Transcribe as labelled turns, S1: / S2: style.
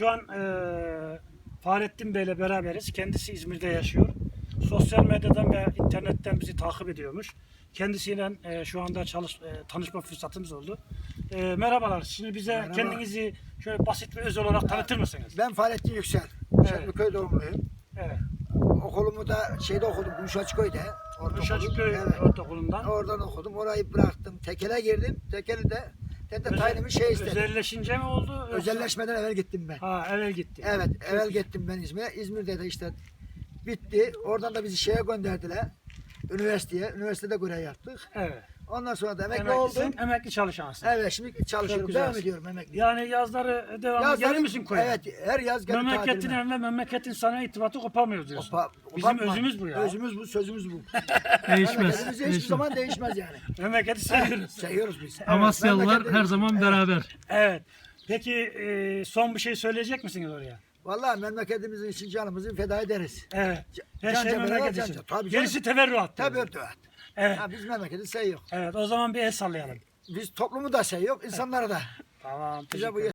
S1: Şu an Fahrettin Bey'le beraberiz. Kendisi İzmir'de yaşıyor. Sosyal medyadan ve internetten bizi takip ediyormuş. Kendisiyle şu anda tanışma fırsatımız oldu. Merhabalar. Şimdi bize
S2: Merhaba.
S1: kendinizi şöyle basit ve öz olarak tanıtır mısınız?
S2: Ben Fahrettin Yüksel. Şenliköy doğumluyum.
S1: Evet.
S2: Okulumu da şeyde okudum, Gümüşhacıköy'de.
S1: Uşacıkköy
S2: Evet.
S1: Ortaokulu'ndan.
S2: Oradan okudum. Orayı bıraktım. Tekele girdim. Tekeli'de tayinimi şey istedim.
S1: Özelleşince mi oldu? Yoksa-
S2: Özelleşmeden evvel gittim ben.
S1: Ha, evvel gitti.
S2: Evet, evvel gittim ben İzmir'e. İzmir'de de işte bitti. Oradan da bizi şeye gönderdiler. Üniversiteye. Üniversitede görev yaptık.
S1: Evet.
S2: Ondan sonra da emekli
S1: Emeklisin,
S2: oldum.
S1: emekli çalışansın.
S2: Evet, şimdi çalışıyorum.
S1: güzel.
S2: Devam ediyorum emekli.
S1: Yani yazları devamlı
S2: Yazları-
S1: gelir misin koya?
S2: Evet, her yaz gelip
S1: Memleketin
S2: tatiline.
S1: ve memleketin sana irtibatı kopamıyor diyorsun. Bizim
S2: Kopma.
S1: özümüz bu ya.
S2: Özümüz bu, sözümüz bu.
S3: Değişmez.
S2: Memleketimiz hiçbir
S3: Değişmez.
S2: zaman değişmez yani.
S1: Memleketi seviyoruz.
S2: Seviyoruz biz.
S3: Amasyalılar
S2: memleketi-
S3: her zaman beraber.
S1: Evet. Peki son bir şey söyleyecek misiniz oraya?
S2: Vallahi memleketimizin için canımızı feda ederiz.
S1: Evet. Her
S2: Can
S1: şey
S2: cebine
S1: memleket
S2: can
S1: için.
S2: cebine. Tabii
S1: Gerisi teferruat.
S2: Tabii
S1: diyoruz.
S2: evet.
S1: Evet.
S2: Ha, biz memleketi seviyoruz.
S1: Evet. O zaman bir el sallayalım.
S2: Biz toplumu da seviyoruz, insanları da.
S1: Tamam.
S2: Bize
S1: Teşekkür
S2: bu
S1: ederim.